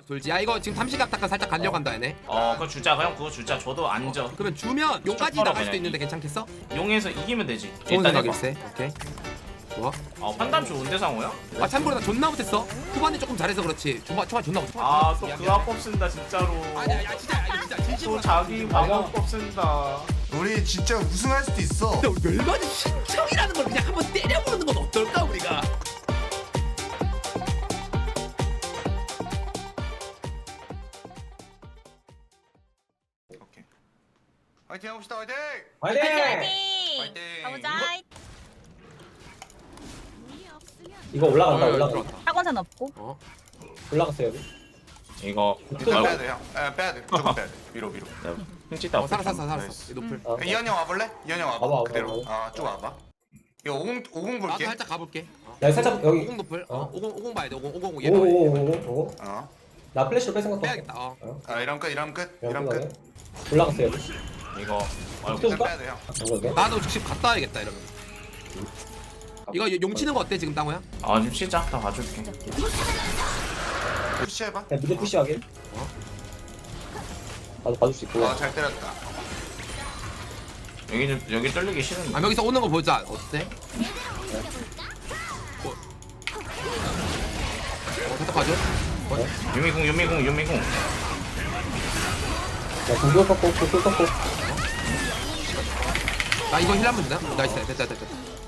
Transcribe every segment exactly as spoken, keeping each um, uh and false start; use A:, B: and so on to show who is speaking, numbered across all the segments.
A: 돌지. 야 이거 지금 삼시각 닦아 살짝 가려고 한다 얘네.
B: 어 그거 주자 그냥 그거 주자. 저도 앉아.
A: 그러면 주면 용까지
B: 쭉
A: 나갈 수도
B: 그냥
A: 있는데 괜찮겠어?
B: 용에서 이기면 되지.
A: 좋은
B: 일단 해봐.
A: 생각일세. 오케이. 좋아.
B: 어 판단 좋은데 상호야?
A: 아 참고로 나 존나 못했어. 후반에 조금 잘해서 그렇지. 초반 초반 존나 못했어.
B: 아또 그 화법 쓴다 진짜로.
A: 아니야 야 진짜 야, 진짜 진심으로.
B: 또 자기 화법 쓴다.
C: 우리 진짜 우승할 수도 있어.
A: 근데 우리 멸관이 신청이라는 걸 그냥 한번 때려보는 건 어떨까 우리가?
C: 오케이. 화이팅 해봅시다. 화이팅.
D: 화이팅!
E: 파이팅!
C: 파이팅!
E: 가보자.
D: 이거 올라간다
A: 어,
D: 올라가
A: 들어왔다.
E: 학원산 없고.
A: 어.
D: 올라갔어요 여기.
B: 이거
C: 일단 빼야
B: 아이고
C: 돼 형. 에 빼야 돼. 무조건 빼야 돼. 위로 위로.
B: 흉찌다.
A: 어 살았어 살았어
C: 나이스.
A: 살았어. 이 노플.
D: 어.
C: 이현 형 와볼래? 이현 형 와봐.
D: 와봐, 와봐,
C: 그대로.
D: 와봐.
C: 아쭉 와봐. 이거 오공 오공
A: 나도
C: 볼게.
A: 살짝 가볼게. 어.
D: 나 살짝 여기.
A: 오공 노플.
D: 어.
A: 어. 오공 오공 봐야 돼. 오공 오공 얘 봐야 돼.
D: 오오오오오.
C: 어.
D: 나 플래시로 뺄 생각도.
A: 빼야겠다. 어.
D: 어.
C: 아 이런 끝 이런 끝
D: 이런
C: 이런
D: 거
C: 끝.
D: 올라갔어요 여기.
B: 이거 아이고
D: 또-
C: 일단 빼야 돼 형.
D: 이거
A: 나도 지금 갔다 와야겠다 이러면. 이거 용 치는 거 어때 지금 땅호야?
B: 아 좀 쉬자. 다 봐줄게.
C: 푸시해봐.
D: 그냥 미드 푸시하게.
A: 어?
D: 나도 봐줄 수 있고.
C: 어잘 때렸다.
B: 여기 좀 여기 뚫리기 싫은데.
A: 아 여기서 오는 거 보자. 어때? 어. 어 살짝 봐줘.
B: 유미궁 유미궁 유미궁.
D: 나 공격 꺾고 공격 꺾고.
A: 나 이거 힐 한번 주나? 나이스 됐다 됐다.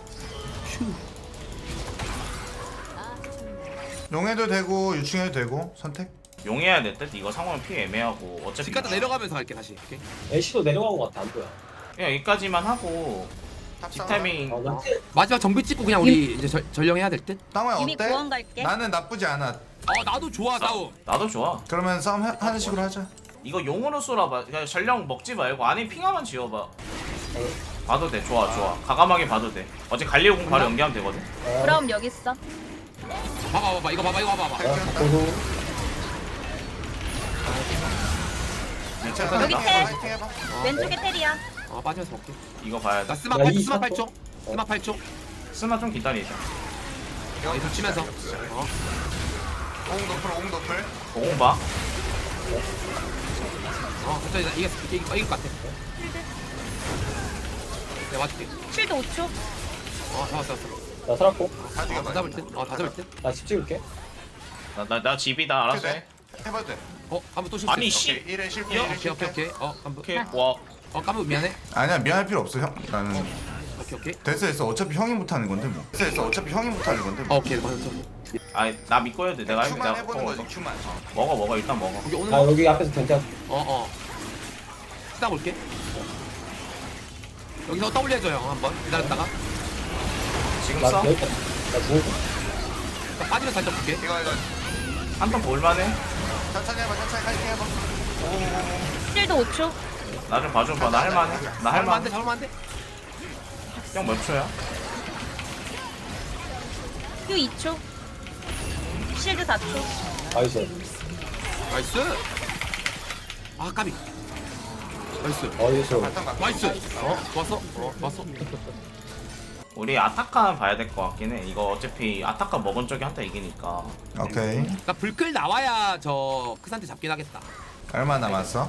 C: 용해도 되고 유충해도 되고 선택.
B: 용해야 될 듯. 이거 상호는 피 애매하고 어차피.
A: 집 갔다 내려가면서 갈게 다시. 오케이.
D: 애쉬도 내려간 것 같아 안 보여.
B: 그냥 여기까지만 하고
C: 탑
B: 집
C: 싸움.
B: 타이밍.
D: 어, 나
A: 마지막 정비 찍고 그냥 우리 이제 절, 전령해야 될 듯?
C: 땅호야
E: 이미
C: 어때?
E: 구원 갈게.
C: 나는 나쁘지 않아.
A: 어 나도 좋아 싸움.
B: 나도 좋아.
C: 그러면 싸움 해- 하는 식으로 하자.
B: 이거 용으로 쏘라봐. 그냥 전령 먹지 말고 안에 핑하만 지어봐. 봐도 돼. 좋아 좋아. 가감하게 봐도 돼. 어제 갈리오공 바로 연기하면 되거든.
D: 어,
E: 그럼 여기 있어.
A: 봐봐 봐봐 이거 봐봐 이거 봐봐.
D: 어, 바꾸고.
C: 괜찮아.
E: 여기
C: 파이팅
E: 텔.
C: 파이팅 해봐.
E: 왼쪽에 테리야.
A: 어 빠지면서 먹게.
B: 이거 봐야
A: 나
B: 돼.
A: 스마
D: 야,
A: 팔
D: 이
A: 스마
D: 삼
A: 팔
D: 초.
A: 초. 스마 팔 초.
B: 쓰나 좀 기다리자.
A: 어 이거 치면서. 어.
C: 오공 노플 오공 노플.
B: 오공 봐.
A: 어 천천히 나 이게 이게 이길 것 같아. 내가 맞을게.
E: 쉴드 오 초.
A: 어 잡았어 잡았어.
D: 나 살았고.
C: 다
A: 어,
C: 죽여봐.
A: 다 잡을 듯. 어다 잡을 듯.
D: 나 집 찍을게.
B: 나 나 나 집이다. 알았어 해.
C: 해봐도 돼.
A: 어 한번 또 실수.
B: 아니 씨.
C: 오케이 일회 실패
B: 야,
C: 일회
A: 오케이 오케이
C: 실패.
A: 오케이. 어 한번.
B: 오케이. 와.
A: 어 깜빡 미안해.
C: 아니야 미안할 필요 없어 형. 나는
A: 오케이 오케이.
C: 됐어 됐어 어차피 형이 못하는 건데 뭐. 됐어 됐어 어차피 형이 못하는 건데
A: 어
C: 뭐.
A: 오케이 맞았어.
B: 아니 나 믿고 해도 돼. 내가 해.
C: 큐만
B: 내가
C: 해보는
B: 어,
C: 거지 큐만.
B: 먹어 먹어 일단 먹어.
A: 여기 오는
D: 나
A: 거.
D: 여기 앞에서 견제.
A: 어 어. 딱 올게. 여기서 W 해줘 형 한번 기다렸다가.
B: 지금
D: 나
B: 써.
D: 여기 나 죽을게.
A: 딱 빠지면 살짝 볼게.
C: 이거 이거
B: 한턴 볼만해.
C: 천천히 해봐 천천히 파이팅 해봐.
E: 쉴드 오 초.
B: 나 좀 봐줘봐. 나 할만해. 나
A: 잡으면 안
B: 할만해.
A: 돼, 잡으면 안 돼.
B: 형 몇 초야?
E: 휴 이 초. 쉴드 사 초.
D: 나이스.
A: 나이스. 아 까비. 나이스.
D: 어디서?
C: 바탕 가.
A: 나이스. 어 좋았어. 어 좋았어.
B: 우리 아타카 봐야 될 것 같긴 해. 이거 어차피 아타카 먹은 쪽이 한타 이기니까.
C: 오케이.
A: 나 불클 나와야 저 크산테 잡긴 하겠다.
C: 얼마 남았어?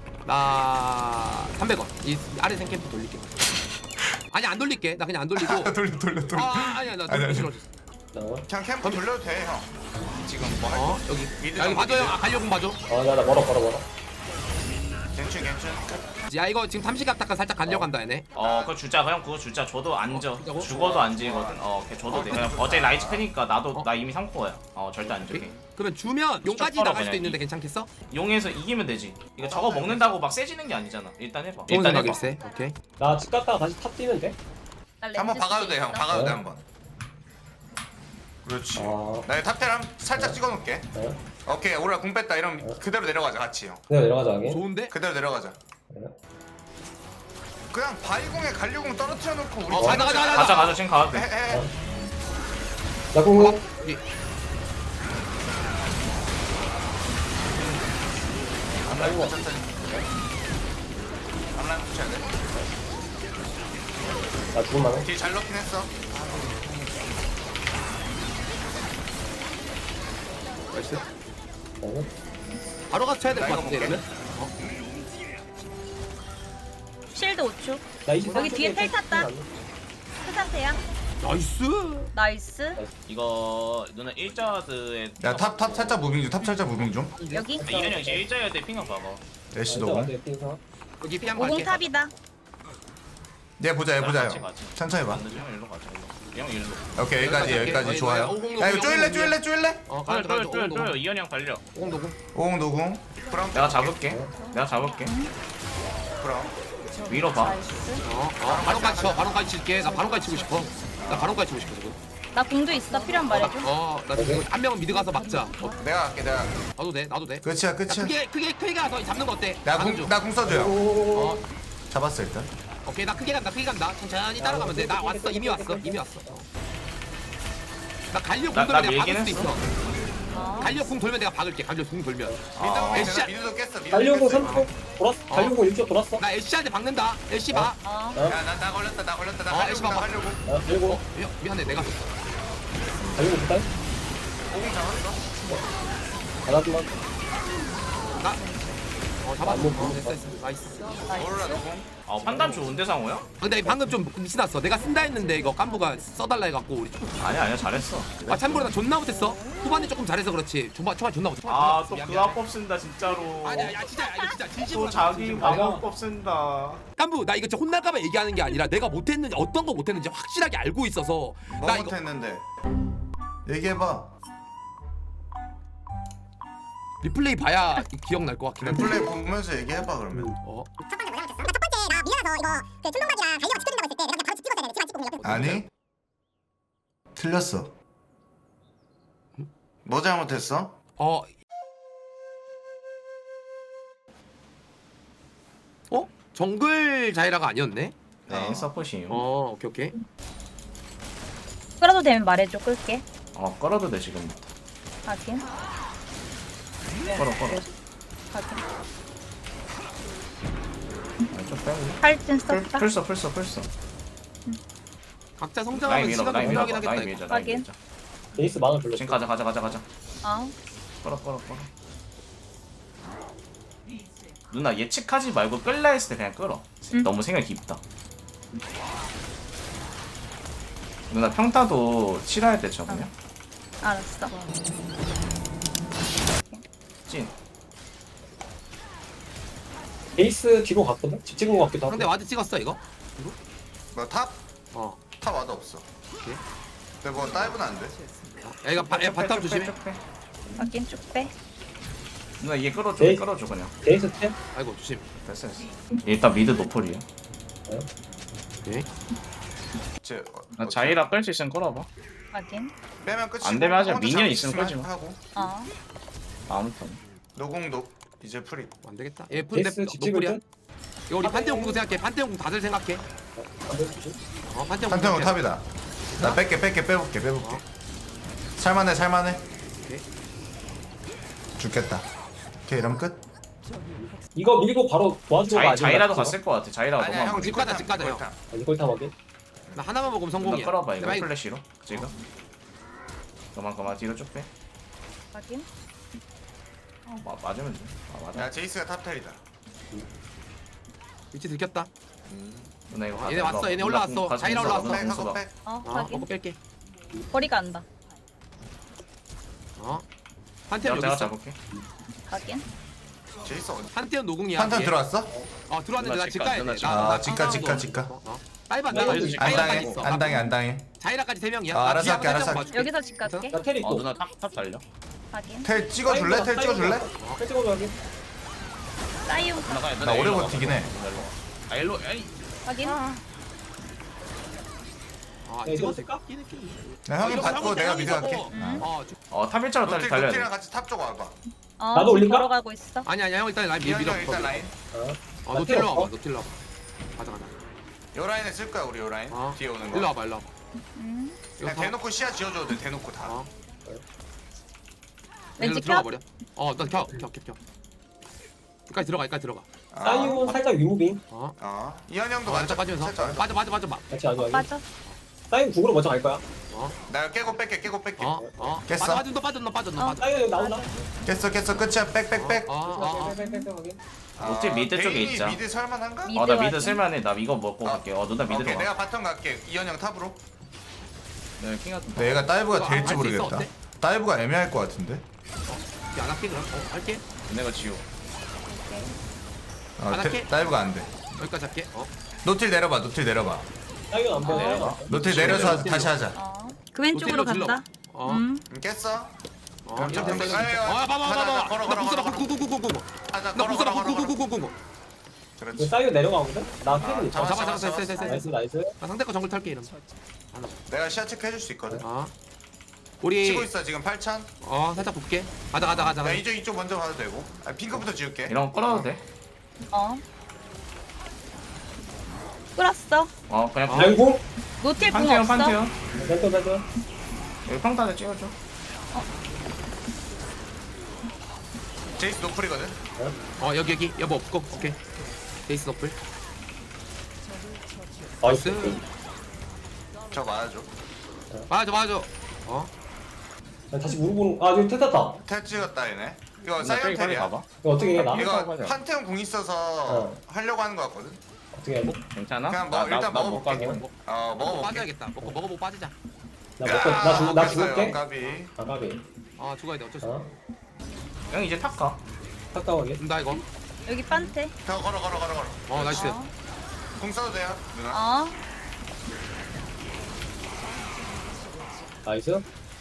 A: 나 삼백 원. 이 아래 생캠프 돌릴게. 아니 안 돌릴게. 나 그냥 안 돌리고.
C: 돌려 돌려 돌려.
A: 아 아니야 나
C: 아니,
A: 돌리기
C: 아니.
A: 싫어.
D: 나.
C: 그냥 캠프 돌려도 돼 형. 지금 뭐 할
A: 어
C: 거?
A: 여기.
C: 미드
A: 야 여기
C: 정도,
A: 봐줘요.
C: 미드.
A: 아 갈려공 봐줘.
D: 어나 나 멀어 멀어 멀어.
C: 괜찮 괜찮.
A: 야 이거 지금 삼시각 닦아 살짝 가려고 한다 얘네.
B: 어 그거 주자. 그냥 그거 주자. 저도 앉아.
A: 어, 주자고?
B: 죽어도 안 지거든. 어 걔 줘도 돼. 그냥 어제 라이즈 크니까 나도
A: 어.
B: 나 이미 삼 코어야. 어 절대 안 줄게.
A: 그러면 주면 용까지
B: 쭉
A: 나갈 수도
B: 그냥
A: 있는데
B: 이-
A: 괜찮겠어?
B: 용에서 이기면 되지. 이거 저거 먹는다고 막 세지는 게 아니잖아. 일단 해봐.
A: 좋은
B: 일단 해봐.
A: 생각일세. 오케이.
D: 나 집 갔다가 다시 탑 뛰면 돼?
E: 나 렌즈
C: 한번 박아도 돼 형.
E: 있어.
C: 박아도 돼
D: 어.
C: 한번. 그렇지.
D: 아.
C: 나 탑텔 한 살짝 찍어놓을게.
D: 네.
C: 오케이 오라 공 뺐다 이러면 그대로 내려가자 같이 형.
D: 내가 내려가자 하게.
A: 좋은데?
C: 그대로 내려가자.
D: 네.
C: 그냥 바위공에 갈려공 떨어뜨려 놓고 우리
A: 어, 가자, 가자, 가자.
B: 가자 가자 지금 가도 돼.
C: 해해.
D: 나 공공.
A: 여기.
C: 앞라인 천천히. 앞라인 붙여야 돼.
D: 나 죽을 만해.
C: 뒤 잘 넣긴 했어.
A: 나이스.
D: 네.
A: 바로 가서 쳐야 될 것
C: 나 이거
A: 같은데
C: 볼게.
A: 이러면.
E: 실드 오 초.
D: 나 이십삼
E: 여기 뒤에
D: 초에
E: 텔 탔다.
D: 안 돼.
E: 그 상태야.
A: 나이스.
E: 나이스.
B: 이거 누나 일자드에
C: 야탑 탑 살짝 무빙 좀탑 살짝 무빙 좀
E: 여기.
B: 이현이 형 지금 일자여야 돼 핑하 봐봐.
C: 애쉬
D: 일단
C: 노공
D: 완전 핑사.
A: 여기 피 한번
E: 오공
A: 갈게.
E: 탑이다.
C: 얘 보자 얘 보자
B: 같이,
C: 형
B: 같이.
C: 천천히 봐
B: 안 되지 형 일로 가자 일로. 형 일로.
C: 오케이 여기까지 여기까지
A: 어이,
C: 좋아요
A: 어이, 오공,
C: 야 이거
A: 오공,
C: 쪼일래
A: 오공,
C: 쪼일래 쪼일래
A: 어,
B: 쪼여
A: 가자,
B: 쪼여
A: 가자,
B: 쪼여
A: 오공,
B: 쪼여 이현이 형 달려.
A: 오공 노공.
C: 오공 노공
B: 내가 잡을게. 내가 잡을게.
C: 그럼
B: 위로 봐.
E: 나이스.
A: 어, 어, 바론까지 쳐. 바론까지 칠게. 나 바론까지 치고 싶어. 나 바론까지 치고 싶어 지금.
E: 나 공도 있어. 필요한 말해줘.
A: 어, 나 지금 한 명은 미드 가서 막자. 어,
C: 내가 갈게 내가 갈게.
A: 나도 돼, 나도 돼.
C: 끝이야
A: 야,
C: 끝이야
A: 크게 크게 크게 가서 잡는 거 어때? 가는 중.
C: 나궁나궁 써줘요
D: 오.
A: 어,
C: 잡았어 일단
A: 오케이 나 크게 간다, 크게 간다. 천천히 따라가면 돼. 나 왔어, 이미 왔어, 이미 왔어. 어. 나 갈려
B: 나-
A: 궁
B: 나
A: 돌면 내가 박을
B: 밀긴
A: 수도 있어.
E: 어.
A: 갈려 궁 돌면 내가 박을게. 갈려 궁 돌면.
B: 아.
A: 애쉬,
C: 미드도 깼어 미드도
D: 달려고
C: 깼어
D: 삼 초 돌았어.
A: 어.
D: 달려고 일 초 돌았어.
A: 나 애쉬한테 박는다. 애쉬 봐.
E: 어.
C: 야나 나 걸렸다 나 걸렸다 나
A: 어,
C: 하려고
A: 애쉬
C: 나
A: 봐봐.
C: 하려고
D: 아, 달려고
A: 미, 미안해, 내가.
D: 달려고 부탁.
C: 오공 잡았어
D: 하나만.
A: 나. 어, 잡았어.
D: 안 먹어.
A: 어, 됐어, 됐어. 나이스.
C: 오로라 노공
B: 아 판단 좋은데 상호야?
A: 근데 방금 좀 미친났어. 내가 쓴다 했는데 이거 깐부가 써달라 해갖고 우리.
B: 아니야 아니야 잘했어.
A: 아 참고로 나 존나 못했어. 후반에 조금 잘해서 그렇지. 초반 초반 존나 못했어.
B: 아또
A: 미안,
B: 그
A: 미안해.
B: 합법 쓴다 진짜로.
A: 아니야, 야 진짜, 야, 이거 진짜 진심으로.
B: 또 자기
A: 진심으로.
B: 방법법 쓴다.
A: 깐부 나 이거 진짜 혼날까봐 얘기하는 게 아니라 내가 못했는지 어떤 거 못했는지 확실하게 알고 있어서
C: 뭐
A: 나 이거
C: 못했는데 얘기해봐
A: 리플레이 봐야 기억날 것 같긴 한데.
C: 플레이 보면서 얘기해봐 그러면
A: 어?
F: 첫 번째 뭐냐 못했어? 첫 번째 나 미안해서 이거 그 촌동박이랑 달려가 지켜준다고 했을 때 내가 그냥 바로 집 찍었어야 돼. 집안 찍고 그냥 옆에
C: 아니 틀렸어 뭐 잘못했어?
A: 어? 어? 정글 자이라가 아니었네?
B: 네 서포시요. 어.
A: 어 오케이 오케이.
E: 끌어도 되면 말해줘. 끌게.
B: 어 끌어도 돼 지금.
E: 확인.
B: 끌어 끌어.
E: 확인.
B: 아, 좀 빼고.
E: 팔진
B: 풀
E: 썼다.
B: 풀써 풀써 풀써.
A: 각자
B: 라인
A: 성장하면
B: 밀어
A: 시간이
B: 라인 밀어
A: 필요하긴 하겠다.
B: 라인
A: 이거.
B: 밀자 라인
E: 확인.
B: 밀자.
D: 베이스 망을 불렀어.
B: 지금 가자 가자 가자 가자.
E: 어.
B: 끌어 끌어 끌어. 누나 예측하지 말고 끌라 했을 때 그냥 끌어.
E: 응.
B: 너무 생각이 깊다. 누나 평타도 칠해야 돼 저거요?
E: 알았어.
B: 찐.
D: 베이스 뒤로 갔거든. 집 찍은 거 같기도 하고.
A: 상대 와드 찍었어 이거?
C: 뭐 탑?
A: 어.
C: 탑 와도 없어
A: 오케이.
C: 근데 뭐 다이브는 안돼
A: 야 이거 바, 야, 바텀 조심해.
B: 쭉 빼.
E: 확인 쭉 빼.
B: 누나 얘 끌어줘
D: 네.
B: 끌어줘 그냥.
D: 베이스 템.
A: 아이고 조심.
B: 됐어 됐어. 일단 미드 노폴이야.
A: 오케이.
C: 제 어,
B: 나
C: 어,
B: 자이라 끌 수 있으면 끌어봐.
E: 확인.
C: 빼면 끝이고
B: 안 되면 하자.
C: 혼자
B: 미니언
C: 잡을
B: 있으면
C: 수
B: 끄지 마.
C: 하고
E: 어.
B: 아무튼.
C: 노공도 이제 프리
A: 안 되겠다. 얘 근데
D: 베이스 집 찍을
A: 노플이야.
D: 듯.
A: 이거 우리 판테온 궁 생각해. 판테온 궁 다들 생각해.
D: 안 되지.
A: 어 판테온 궁.
C: 판테온
A: 생각해.
C: 탑이다 나 뺄게 뺄게 빼볼게 빼볼게 살만해 살만해
A: 오케이.
C: 죽겠다 오케이 이러면 끝
D: 이거 밀고 바로 도와주고
B: 자이 자이라도 갔을 것 같아. 자이라가
C: 아니야
B: 너무.
C: 형
A: 집 가자, 집 가자, 형.
D: 이걸 다 먹게.
A: 나 하나만 먹으면
B: 누나
A: 성공이야.
B: 끌어봐 이거
A: 내가
B: 플래시로 지금. 그만 그만 뒤로 쭉 빼.
E: 확인.
B: 어, 마, 맞으면 돼. 아 맞아.
C: 야 제이스가 탑텔이다
A: 위치 들켰다.
B: 누나 이거
A: 얘네
B: 가자.
A: 왔어, 얘네
B: 누나
A: 올라왔어.
B: 공 가자,
A: 자이라
B: 공수 봐,
A: 올라왔어.
B: 누나
C: 백
B: 공수
C: 하고
B: 봐.
C: 백
E: 어.
A: 어
E: 확인.
A: 먹고 뺄게.
E: 거리가 안다.
A: 어. 판테온
B: 내가
A: 여기
B: 내가
A: 있어.
B: 잡을게.
E: 확인.
C: 제이스 어디
A: 판테온 노궁이야.
C: 판테온
A: 얘.
C: 들어왔어?
A: 어 들어왔는데
B: 누나
A: 나 집
B: 집가,
A: 가야
B: 누나
A: 돼.
B: 집가.
A: 나-
C: 아,
A: 나
C: 집가,
A: 깜깜하고.
C: 집가, 집가.
A: 어, 어. 다이브 안
B: 네,
A: 나가.
B: 여기서
C: 안
A: 자이라까지
C: 당해
A: 있어.
C: 안 당해 안 당해
A: 자이라까지 세 명이야.
C: 어,
A: 나
C: 알아서
A: 뒤에
C: 할게,
A: 한번
C: 알아서
A: 살짝
C: 할게.
A: 봐줄게.
E: 여기서 집 갈게.
D: 나 텔
B: 어
D: 있고.
B: 누나 탑탑 달려.
E: 확인.
C: 텔 찍어줄래? 텔 찍어줄래?
D: 텔 찍어줘 여기.
E: 사이움.
B: 누나 가.
C: 나 오래 버티긴 해.
B: 아 일로 에이.
E: 확인.
A: 아
D: 네,
A: 찍었어.
D: 찍었을까?
C: 야, 형이 받고 내가 미드 갈게
E: 응.
A: 어 주-
B: 어 탑일자로
C: 노틸
B: 달려야
C: 노틸이랑
B: 돼.
C: 같이 탑 쪽 와봐
E: 어.
D: 나도
E: 지금
D: 올릴까?
E: 걸어가고 있어.
A: 아니 아니 형 일단 라인 밀
C: 이현이
A: 밀어.
C: 형 일단 라인
A: 어
D: 나
A: 노틸러
D: 필요
A: 와봐.
D: 없어.
A: 노틸러 와봐. 가자 가자.
C: 요 라인에 쓸 거야 우리 요 라인
A: 어.
C: 뒤에 오는
A: 일로
C: 거
A: 와봐 일로 와봐.
E: 응.
A: 이거
C: 그냥
A: 다-
C: 대놓고 시야 지어줘도 돼 대놓고 다
A: 어.
E: 왠지
A: 여기로 들어가
E: 켜?
A: 버려. 어, 나 켜, 켜, 켜, 켜. 여기까지 들어가, 여기까지 들어가.
C: 아,
D: 사이온 살짝 위무빙.
A: 어,
C: 어 이현 형도
A: 어,
C: 맞춰
A: 살짝 빠지면서.
C: 살짝
A: 빠져, 빠져, 빠져, 빠.
D: 같이 아주
E: 어,
D: 아주.
E: 빠져.
D: 사이온 국으로 먼저 갈 거야.
A: 어?
C: 나 깨고 뺄게 깨고 뺄게
A: 어? 어?
C: 깼어?
A: 빠져 빠져 빠져 너 빠져 너
E: 어.
A: 빠져.
D: 사이드 여기 나온다.
C: 깼어 깼어 끝이야 빽빽빽
A: 어? 어? 어?
D: 빽빽빽 확인.
B: 녹지 미드 쪽에
C: 베인이
B: 있자.
C: 미드 설만한가?
E: 미드
B: 어 나 미드
E: 확인.
B: 쓸만해. 나 이거 먹고
C: 어.
B: 갈게. 어 누나 미드로
C: 오케이
B: 가.
C: 내가 바텀 갈게 이현영 탑으로
B: 네, 킹 같은
C: 근데 얘가 다이브가
A: 이거
C: 될지
A: 할수 있어,
C: 모르겠다
A: 어때?
C: 다이브가 애매할 것 같은데
A: 야, 안 할게 그럼. 어, 할게.
B: 내가 지우.
C: 어,
A: 안
C: 데-
A: 할게.
C: 다이브가 안돼
A: 여기까지 할게. 어?
C: 노틸 내려봐 노틸 내려봐
D: 사이드 안 보여.
B: 내려가.
C: 노틸 내려서
A: 노틸
C: 다시 하자
E: 어. 그 왼쪽으로
A: 노틸로 질러.
E: 간다.
A: 어?
E: 음.
C: 음, 깼어?
A: 어?
C: 그럼
A: 이거
C: 좀
A: 됐어,
C: 아유,
A: 이거 됐어.
C: 아유,
A: 어, 봐봐
C: 가자,
A: 봐봐.
C: 가자, 걸어,
A: 나
C: 걸어,
A: 부숴라
C: 걸어,
A: 구구구구구구.
C: 하자
A: 나
C: 걸어
A: 부숴라
C: 걸어 걸어 걸어
A: 구구구구구구.
C: 그렇지
D: 사이드 내려가거든. 나 캐는 있어.
C: 잡았어,
A: 잡아 잡았어
C: 잡았어,
A: 됐어 됐어
D: 나이스
A: 됐어.
D: 나이스.
A: 나 상대 거 정글 탈게 이러면.
C: 내가 시야 체크 해줄 수 있거든
A: 어? 우리
C: 치고 있어 지금 팔천
A: 어 살짝 볼게. 가자 가자 가자.
C: 야
A: 가자.
C: 이쪽 이쪽 먼저 봐도 되고 아, 핑크부터 지울게
B: 이런 거 끌어도 돼.
E: 어. 끌었어.
B: 어 그냥
A: 어.
D: 아이고.
E: 노틸 궁
B: 판테온
E: 없어.
B: 판테온.
D: 센터 센터.
B: 여기 평탄에 찍어줘.
C: 제이스 노플이거든
A: 어 여기 여기 여보 없고 오케이. 데이스 너플.
D: 나이스.
C: 저 맞아줘
A: 맞아 맞아. 어?
D: 난 다시 물어보는. 아 여기 testas다.
C: 텔 찍었다 얘네 이거
B: 누나 저기 빨리
C: 사이언텔이야
B: 가봐.
D: 이거 어떻게 해 나?
C: 이거
B: 가자.
C: 판테온 궁 있어서
D: 어.
C: 하려고 하는 거 같거든
D: 어떻게 해?
B: 괜찮아?
C: 그냥 먹어, 일단
B: 나못
C: 먹어볼게.
B: 가긴.
C: 어
A: 먹고
C: 먹어볼게
A: 빠져야겠다. 먹고 먹어보고 빠지자.
D: 나 먹고 나 죽, 나
C: 먹겠어요,
D: 죽을게.
C: 까비
D: 아 까비.
A: 아 죽어야 돼 어쩔 수 없어.
D: 어?
B: 형 이제 탑 가.
D: 가까워게.
A: 나 이거.
E: 여기 판테.
C: 저 걸어 걸어 걸어 걸어
A: 어 나이스.
E: 어.
C: 궁 써도 돼요 누나
E: 어.
D: 나이스.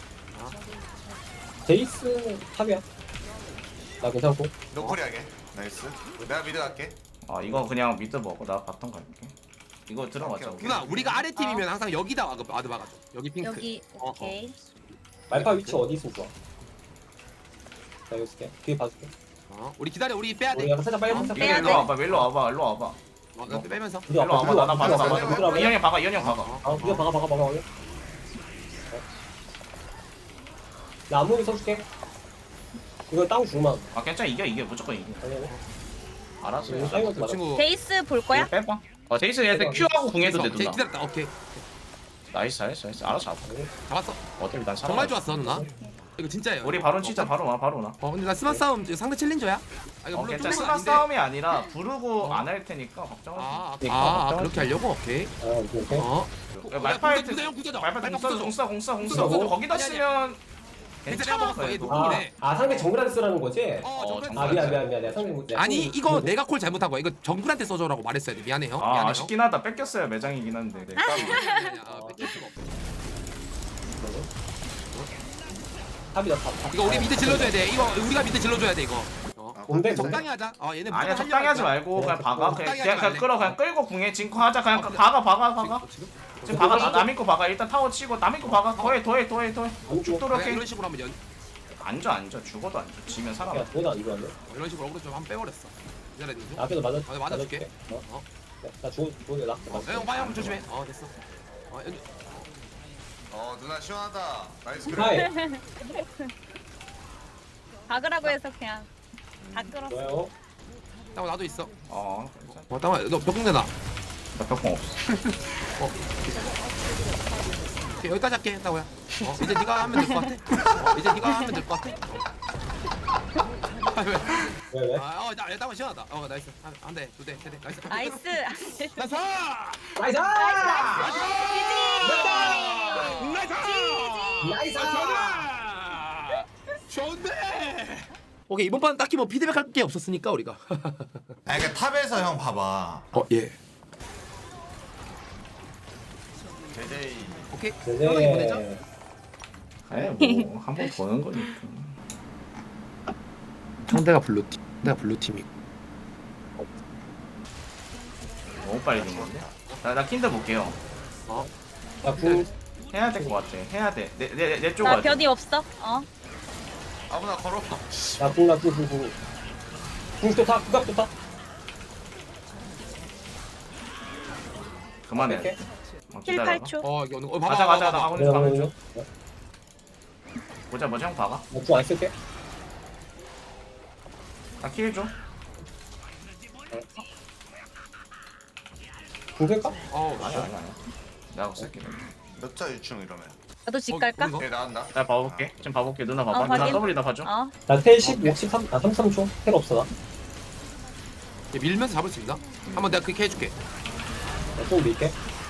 D: 제이스 탑이야. 나 괜찮고.
C: 노플이하게 나이스 내가 미드 갈게
B: 아 이거 그냥 미드 먹어. 나 바텀 갈게. 이거 들어가자.
C: 오케이, 오케이.
A: 누나 우리가 아래 팀이면 항상 여기다 와드 와드 박아줘. 여기 핑크.
E: 여기
A: 어, 어.
E: 오케이.
D: 말파 위치 어디 있으면 좋아. 나 여기 있을게. 뒤에 봐줄게.
A: 어 우리 기다려 우리 빼야
D: 우리
A: 돼.
D: 약간 살짝 빨리
E: 어,
D: 살짝
E: 빼야
B: 일로
E: 돼.
B: 와봐. 일로 와봐. 일로 와봐.
A: 어, 나 빼면서.
D: 우리
B: 일로 와봐. 나나
C: 봐봐,
B: 봐봐.
C: 봐봐.
B: 봐봐. 이현이 박아. 이현이 박아.
D: 아, 우리가 박아 박아 박아. 나 안무비 써줄게. 이거 땅 주만.
B: 아 괜찮아. 이겨 이겨. 무조건 이겨.
D: 아니 아니.
B: 알았어.
D: 이거
B: 요
D: 사이먼트
A: 그
D: 맞아.
A: 친구.
E: 제이스 볼 거야?
B: 빼봐. 어 제이스 얘한테 Q하고 궁해도 돼
A: 제
B: 누나.
A: 기다렸다. 오케이.
B: 나이스 나이스 나이스. 알아서 잡아.
A: 잡았어.
B: 어차피 난 살아.
A: 정말 좋았어 누나. 이거 진짜예요.
B: 우리 바로 치자. 바로 와. 바로 나.
A: 어 근데 나 스마 싸움 이거 상대 챌린저야? 아 이거
B: 어,
A: 물론
B: 괜찮아.
A: 뚫는 건
B: 스마
A: 아닌데.
B: 싸움이 아니라 부르고
A: 어.
B: 안 할 테니까 걱정하지
A: 아,
B: 마.
A: 아, 아 그렇게 하려고? 오케이.
D: 아 오케이 오케이.
A: 어.
B: 야, 말파이트
A: 구자 형 구자죠.
B: 말파 공써 공써 공써 공써
D: 공써.
B: 거기다
A: 아니, 아니.
B: 쓰면
A: 괜찮아,
B: 괜찮아
A: 먹었어, 얘도.
B: 그래도.
D: 아,
A: 이네.
D: 아 상대 정글한테 쓰라는 거지?
A: 어,
B: 어,
A: 정글
D: 아 미안 미안 미안 내가 상대 못.
A: 아니 이거 내가 콜 잘못한 거야. 이거 정글한테 써줘라고 말했어야 돼. 미안해요.
B: 아
A: 미안해요.
B: 아쉽긴 하다 뺏겼어요 매장이긴 한데 네.
A: 아니, 아니, 아니, 아, 뺏길 수가 없어.
D: 탑이다 탑. 탑.
A: 이거 우리 미드 질러줘야 돼. 이거 우리가 미드 질러줘야 돼 이거. 어.
D: 뭔데
A: 적당히 하자. 어 얘네
B: 아니야
A: 무조건
B: 적당히 하지
A: 하려고
B: 말고 그냥
D: 네,
B: 박아 그냥
A: 적당히
B: 그냥,
A: 하지
B: 그냥
A: 말래.
B: 끌어 그냥 끌고 궁에 진코 하자 그냥 박아 박아 박아
A: 지금? 지금?
B: 지금 박아 나- 남인 거 박아 일단 타워 치고 남인 거 박아 더해 더해 더해 더해
D: 안 죽어.
B: 죽도록
A: 그냥
B: 해
A: 이런 식으로 하면 연
B: 앉아 앉아 죽어도 앉아 지면 살아나
D: 야 도나 이거 안 돼?
A: 어, 이런 식으로 어그로 좀 한번 빼버렸어. 기다려 줘.
D: 앞에서 맞아.
A: 아, 맞아줄게.
D: 어?
A: 어.
D: 나 죽어 죽어 나.
A: 어, 형 빨리 한번 조심해. 어 됐어. 어, 연-
C: 어 누나 시원하다 나이스 그래
D: 하이.
E: 박으라고 해서 그냥 다 끌었어.
D: 좋아요.
A: 땅아 나도 있어.
B: 어 괜찮아
A: 어 땅아 너 벽공 내놔.
B: 나 벽공 없어
A: 오케이, 여기까지 할게 땅아야. 어 이제 네가 하면 될 것 같아. 어, 이제 네가 하면 될 것 같아. 아, 왜?
D: 왜 왜?
A: 아, 어, 나, 땅아 시원하다. 어, 나이스. 한, 한 대, 두 대, 세 대. 나이스.
E: 나이스.
A: 나이스.
D: 나이스!
A: 나이스.
D: 나이스!
A: 좋은데. 오케이 이번 판 딱히 뭐 피드백 할 게 없었으니까 우리가.
C: 아 그러니까 탑에서 형 봐봐
A: 어 예.
C: 제제이
A: 오케이.
D: 네.
A: 편하게 보내자.
B: 아예 뭐한 번 보는 거니까
A: 상대가 블루 팀. 내가 블루 팀이고.
B: 너무 빨리 된 건데 나나 킨드 볼게요
A: 어.
D: 야, 구,
B: 해야 될 것 같아 해야 돼내내내쪽
E: 나
B: 가야
E: 변이 없어. 어.
C: 아무나 걸어
D: 나 구, 나 구, 구, 구. 궁도 타, 구각도 타.
B: 그만해
D: 이렇게?
B: 어,
E: 힐
B: 기다려봐
E: 팔 초.
A: 어 이거 어느 거. 어, 봐봐.
B: 가자 가자 나
A: 봐봐.
B: 가고
D: 내가
B: 있어 가고
D: 먼저.
B: 있어 보자 보자 형 봐봐
D: 나궁안 쓸게.
B: 나킬 줘.
D: 궁 쓸까?
A: 어
B: 아니야 아니야 아니야 내가 쓸게
C: 몇자 유충 이러면
E: 나도 집 갈까?
A: 어,
C: 얘 나간다.
B: 나 봐볼게. 지금 봐볼게. 누나 봐봐.
E: 어,
B: 누나
E: 확인.
B: 더블이나 봐줘.
E: 어.
D: 나텔 십오, 십삼, 아 삼십삼 초. 텔 없어 나.
A: 얘 밀면서 잡을 수 있나? 한번 내가 그렇게 해줄게.
D: 나좀 밀게.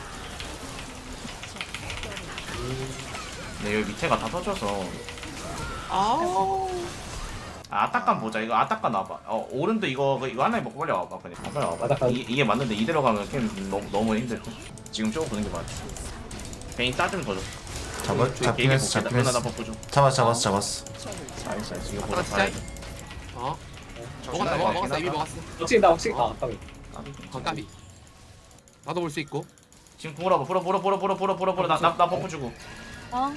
B: 네, 여기 밑에가 다 터져서.
A: 아우.
B: 아, 아따깐 보자. 이거 아따깐 와봐. 어, 오른도 이거 이거 하나에 먹고 빨리 와봐. 그냥 빨리 와봐.
D: 아따깐.
B: 이, 이게 맞는데 이대로 가면 게임 너무 너무 힘들 듯. 지금 쪼고 보는 게 맞아. 베인 따주면 더 좋다.
C: 잡아 잡긴
B: 얘기
C: 했어
B: 볼게.
C: 잡긴
B: 누나 나
C: 했어.
B: 버프 좀.
C: 잡았어 잡았어 잡았어.
B: 나이스 나이스. 이거
A: 아따
B: 보자.
A: 진짜.
B: 봐야 돼.
A: 어.
C: 정신
A: 먹었다
C: 나가.
A: 먹었어 먹었어 이미 먹었어.
D: 확실히 나 확실히 아 까비.
A: 어 까비. 나도 볼 수 있고.
B: 지금 궁을 와봐. 불어 불어 불어 불어 불어 불어 불어. 나나 나 버프 주고.
E: 어.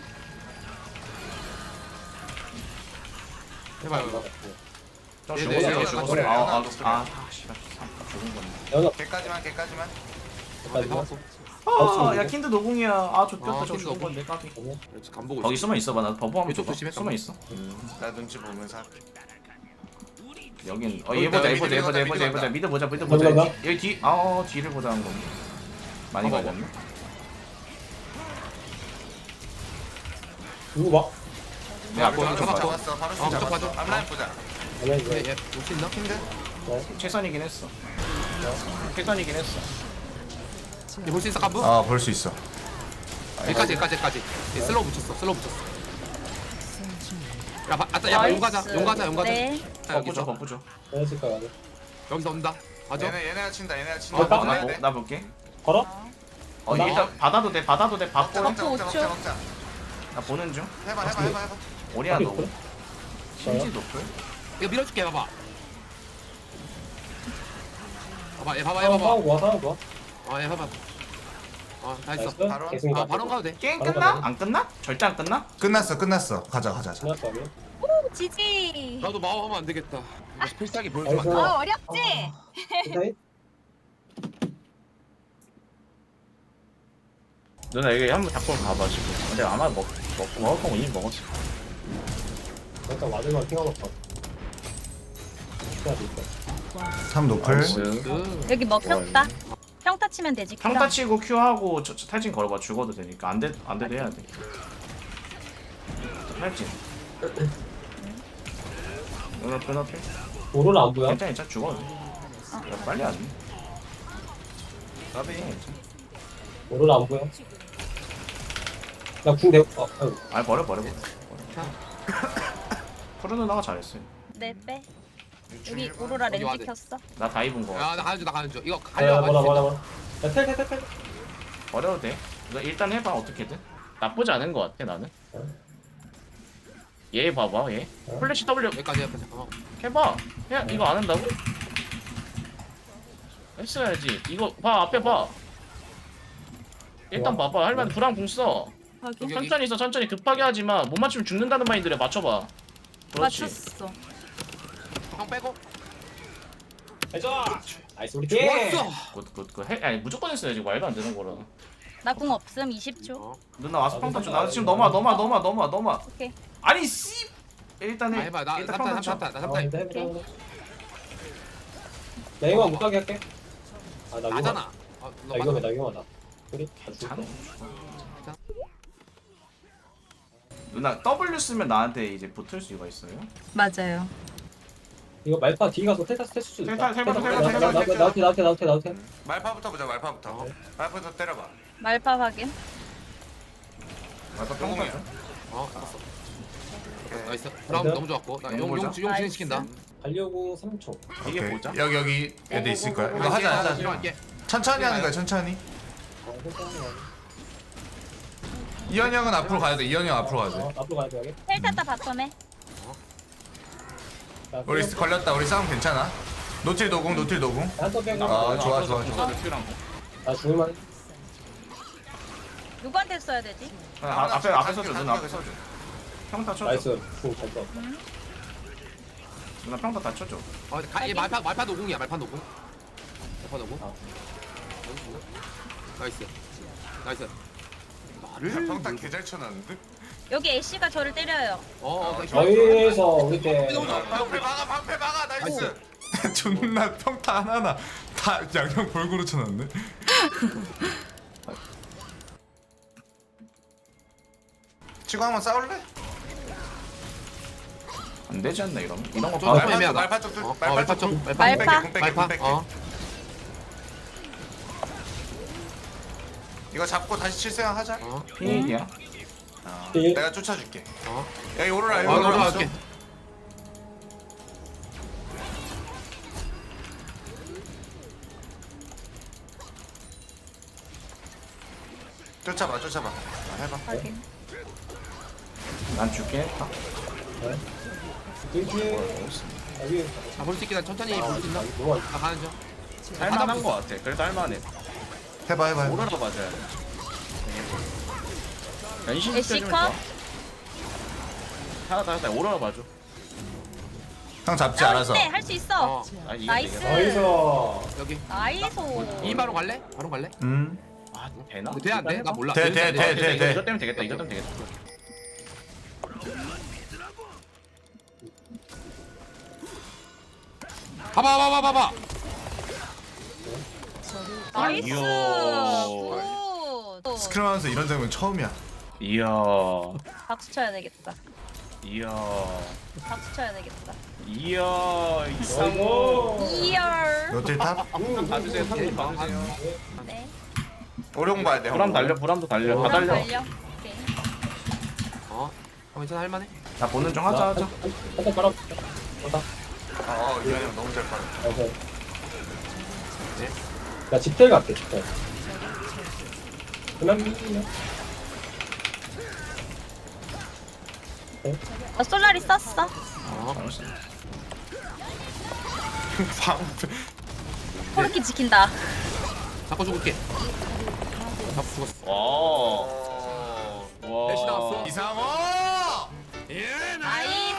A: 해봐요.
B: 좀
A: 네,
B: 죽었어.
A: 네,
B: 저
A: 네,
B: 죽었어.
C: 네,
B: 아, 아,
C: 네,
B: 아, 아, 씨발. 죽은 거네.
D: 연어
C: 걔까지만 걔까지만.
D: 까지.
A: 해봤어.
B: 아, 야 킨드 노궁이야. 아,
A: 아,
B: 좆됐다. 저
A: 킨드
B: 죽은
A: 노궁.
B: 건데 까비.
A: 그렇지 간 보고
B: 거기
A: 있어.
B: 숨어 있어봐. 나 버프 한번
A: 이쪽
B: 줘봐.
A: 조심해,
B: 숨어 있어.
C: 나 눈치 보면서 할게.
B: 여긴 어
A: 여기
B: 얘 보자 얘
C: 미드
B: 보자 얘 보자 얘
C: 미드
B: 보자 얘 보자
C: 간다.
B: 미드 보자 미드
D: 미드
B: 보자
D: 간다.
B: 여기 뒤 아 뒤를 보자 한 건데 많이
A: 봐봐,
B: 가졌네.
D: 누구 봐?
A: 야,
C: 바로
A: 뭐,
C: 잡았어
A: 잡았어.
C: 잡았어. 바로
A: 어,
C: 잡았어.
A: 잡았어.
C: 앞라인 보자.
D: 아니야
A: 얘
D: 이제.
A: 얘 올 수 있나?
C: 킨드.
B: 최선이긴 했어. 최선이긴 했어.
A: 얘 볼 수 있어 깐부?
C: 아 볼 수 있어.
A: 여기까지 여기까지 여기까지. 얘 슬로우 붙였어 슬로우 붙였어. 야 바- 아따 야 용 가자 용 가자 용 가자.
E: 네.
A: 야,
B: 버프 줘
A: 여기서
B: 버프 줘.
D: 연습 가 가자.
A: 여기서 온다. 맞아.
C: 얘네 얘네가 친다 얘네가
D: 어,
C: 친다.
D: 나-
B: 나,
C: 먹어야
B: 보-
C: 돼.
B: 나 볼게.
D: 걸어?
B: 어
D: 나-
B: 일단 받아도 돼 받아도 돼
C: 먹자
B: 받고
C: 먹자
E: 오
C: 먹자
E: 초.
C: 먹자 먹자.
B: 나 보는 중.
C: 해봐 해봐 해봐 해봐.
B: 오리아 너
D: 있거든?
B: 신지 노플.
A: 이거 밀어줄게 봐봐. 봐봐 얘 봐봐 얘
D: 상황
A: 봐봐.
D: 상황 좋아 상황 좋아.
A: 어얘 봐봐. 어다 했어.
D: 나이스.
C: 바로?
D: 계승이
A: 아 바로 가도 돼.
B: 게임
D: 바로
B: 끝나?
D: 가자.
B: 안 끝나? 절대 안 끝나?
C: 끝났어 끝났어. 가자 가자 가자.
D: 끝났어 아니?
E: 오 지지.
A: 나도 마법하면 안 되겠다. 이거 필살기 보여주면 안
D: 나이스.
A: 돼.
E: 아 어렵지?
D: 괜찮이?
B: 누나 여기 한번 잡고 가봐 지금. 근데 아마 먹 먹고 먹을 거 이미 먹었어.
D: 일단 와들만 핑하 놓고. 해야 돼 일단.
C: 삼 노플.
A: 그
E: 여기 먹혔다. 평타 치면 되지.
B: 평타 치고 Q 하고 저, 저 탈진 걸어봐 죽어도 되니까 안 돼 안 돼도 해야 돼. 탈진. 누나 끊어필.
D: 오로라 안 보여?
B: 괜찮아 괜찮아 죽어도 돼. 야, 빨리 안 돼. 나비 괜찮아.
D: 오로라 안 보여? 나궁 대. 어, 아유.
B: 아니 버려 버려 버려. 푸른 누나가 잘했어요.
E: 네 빼. 여기 오로라
A: 여기 와야
E: 렌즈
A: 돼.
E: 켰어.
B: 나 다 입은 거.
A: 야나 가는 중나 가는 중. 이거
D: 야,
A: 가려
D: 뭐라 뭐라
A: 가지고.
D: 뭐라. 야, 텔, 텔, 텔, 텔.
B: 버려도 돼. 너 일단 해봐 어떻게든. 나쁘지 않은 거 같아 나는. 얘 봐봐 얘. 플래시 W
A: 여기까지 여기까지. 어.
B: 해봐. 야 이거 안 한다고? 했어야지. 이거 봐 앞에 봐. 일단 봐봐. 할만 불안 궁 써.
E: 확인.
B: 천천히 써 천천히 급하게 하지마. 못 맞추면 죽는다는 마인드래. 맞춰봐. 그렇지.
E: 맞췄어.
A: 형 빼고.
D: 해줘. 나이스 우리 팀.
A: 좋았어.
B: 굿굿굿 해. 아니 무조건 했어야지. 말도 안 되는 거라.
E: 나 궁 없음 이십 초.
A: 어.
B: 누나 와서 평타 줘. 나 지금 넘어 넘어 넘어 넘어 넘어.
E: 오케이.
B: 아니 씨. 일단
A: 아
B: 해.
A: 해봐 나
B: 일단
A: 삼탄
B: 평타 쳐.
A: 삼탄 나
D: 어,
A: 삼탄.
D: 해보자, 해보자, 해보자. 나 이거 못 가게 할게. 아, 나 이거.
A: 나잖아. 어, 너
D: 나 이거
A: 맞아.
D: 나 이거 맞아. 우리
B: 괜찮아. 누나 W 쓰면 나한테 이제 붙을 수가 있어요?
E: 맞아요.
D: 이거 말파 뒤 가서 테타스 테스트 수도 있다.
B: 테타, 테타, 테타,
D: 나-
B: 테타,
D: 나- 나-
C: 테타.
D: 나한테 나한테 나한테 나한테.
C: 말파부터 보자 말파부터. 말파부터 때려봐.
E: 말파 확인.
B: 말파
C: 영웅이야.
B: 평타 줘.
A: 어 알았어.
C: 오케이.
A: 나이스. 브라운 너무 좋았고. 나
B: 용
A: 용
B: 보자.
A: 용 용 진행시킨다.
D: 달려고 삼 초.
B: 이게
C: 오케이.
B: 보자.
C: 여기 여기 애들 있을 거야. 이거
A: 할게,
C: 하자
A: 하자,
C: 하자.
A: 할게.
C: 천천히 하는 거야 천천히.
D: 어, 괜찮아.
C: 이현 형은 앞으로 가야 돼. 이현 형 앞으로 가야 돼.
D: 어, 앞으로 가야 돼 여기.
E: 텔 탔다 바텀에.
D: 자,
C: 우리 걸렸다. 우리 싸움 괜찮아. 노틸 노공 노틸 노공.
D: 한번 빼고.
C: 아, 좋아, 좋아, 좋아.
D: 나 죽을만.
E: 누구한테 써야 되지?
B: 아, 앞에 앞에 서줘. 누나 앞에 서줘. 평타 쳐줘.
D: 나이스. 궁잘 써.
B: 누나 평타 다 쳐줘.
A: 어, 가, 얘 말파 말파 노공이야. 말파 노공. 말파 노공.
D: 아.
A: 나이스. 나이스.
C: 야, 평타 개잘 쳐놨는데?
E: 여기 애쉬가 저를 때려요.
A: 어, 어, 나이스.
D: 저희에서 우리 때.
C: 방패 막아 방패 막아 나이스. 존나 평타 하나하나 다 양형 골고루 쳐놨네. 치고 한번 싸울래?
B: 안 되지 않나 이러면? 이런 거
A: 좀
B: 봐도
A: 너무
C: 말파
A: 애매하다.
C: 말파 쪽 뚫-
A: 어,
C: 말파
A: 어, 말파
C: 쪽
A: 쪽,
C: 뚫-
A: 말파.
C: 공
E: 말파.
C: 뺄게, 공 뺄게, 공
A: 말파.
C: 뺄게.
A: 어.
C: 이거 잡고 다시 칠 생각 하자.
A: 어.
B: 피일이야.
C: 어,
D: 예.
C: 내가 쫓아줄게.
A: 어.
C: 여기 오로라
A: 어,
C: 여기
A: 나
C: 오로라
A: 올라갈게.
C: 쫓아봐 쫓아봐. 아, 해봐.
E: 확인.
B: 난 줄게. 아,
D: 여기 여기
A: 아, 볼 수 있게 난 천천히 볼 수 있나?
D: 누워.
A: 아, 가는 중.
G: 할만한 거 같아. 그래도 할만해.
C: 해봐 해봐. 해봐.
G: 오로라 맞아야 돼. 변신
E: 애쉬
G: 시켜주면
E: 컷?
G: 좋아. 하나 하나 오로라 봐줘.
C: 형 잡지
E: 할
C: 알아서.
E: 수 있대. 할 수 있어.
A: 어.
G: 아 이게
E: 나이스.
G: 되겠다.
D: 나이스.
A: 여기.
E: 나이스.
A: 이 바로 갈래? 바로 갈래?
C: 음.
G: 아 되나?
A: 근데 돼안 돼? 나 몰라.
C: 돼, 돼, 돼.
G: 돼, 돼. 이거 때문에 되겠다. 이거 때문에 되겠다.
A: 봐봐, 봐봐, 봐봐.
E: 나이스.
G: 이야.
E: 굿.
C: 스크림 하면서 이런 장면 처음이야.
G: 이야.
E: 박수 쳐야 되겠다.
G: 이야.
E: 박수 쳐야 되겠다.
G: 이야. 이상호.
D: 아이고.
E: 이열.
C: 노틸 탑?
G: 봐주세요. 상품 봐주세요.
E: 네.
C: 오룡 봐야 돼.
G: 보람 달려. 보람도 달려. 다
E: 그럼
G: 달려.
E: 달려. 오케이.
A: 어. 어, 괜찮아, 할만해.
B: 나 보는 중 하자 하자.
D: 한번 깔아. 간다.
C: 어 이현이 형 너무 잘 빠져.
D: 나이스.
A: 네.
D: 나 집텔 갈게. 집텔. 그만.
E: 나 솔라리 썼어.
A: 어.
E: 코르키 지킨다.
A: 잡고 죽을게. 잡고 죽었어.
G: 와. 와.
A: 대시 나왔어.
C: 이상호!
A: 예,
E: 나이스.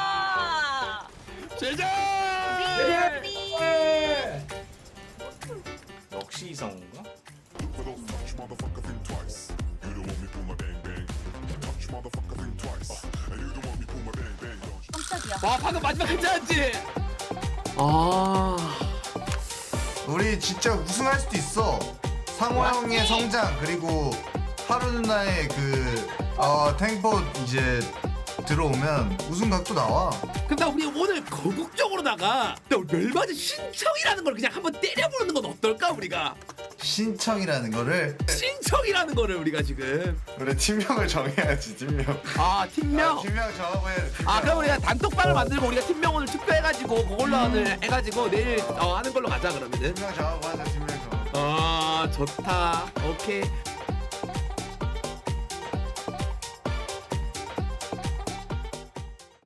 A: 제자.
D: 예.
B: 역시 이성훈가?
H: But don't touch motherfucker think twice. You don't want me pull my bang bang. Touch motherfucker think twice. And you don't want me pull my bang bang. Don't you?
E: 깜짝이야.
A: 와, 방금 마지막 괜찮았지? 아.
C: 우리 진짜 우승할 수도 있어. 상호 형의 성장 그리고 하루 누나의 그 어, 탱포 이제 들어오면 우승각도 나와.
A: 근데 우리 오늘 거국적으로다가 멸망의 신청이라는 걸 그냥 한번 때려보는 건 어떨까 우리가?
C: 신청이라는 거를
A: 신청이라는 거를 우리가 지금
C: 우리 팀명을 정해야지 팀명.
A: 아 팀명.
C: 아, 팀명 정하고 해야 돼. 팀명.
A: 아 그럼 우리가 단톡방을 만들고 우리가 팀명 오늘 투표해가지고 그걸로 오늘 해가지고 내일 어, 하는 걸로 가자 그러면은.
C: 팀명 정하고 하자 팀명 정하고.
A: 아 좋다. 오케이.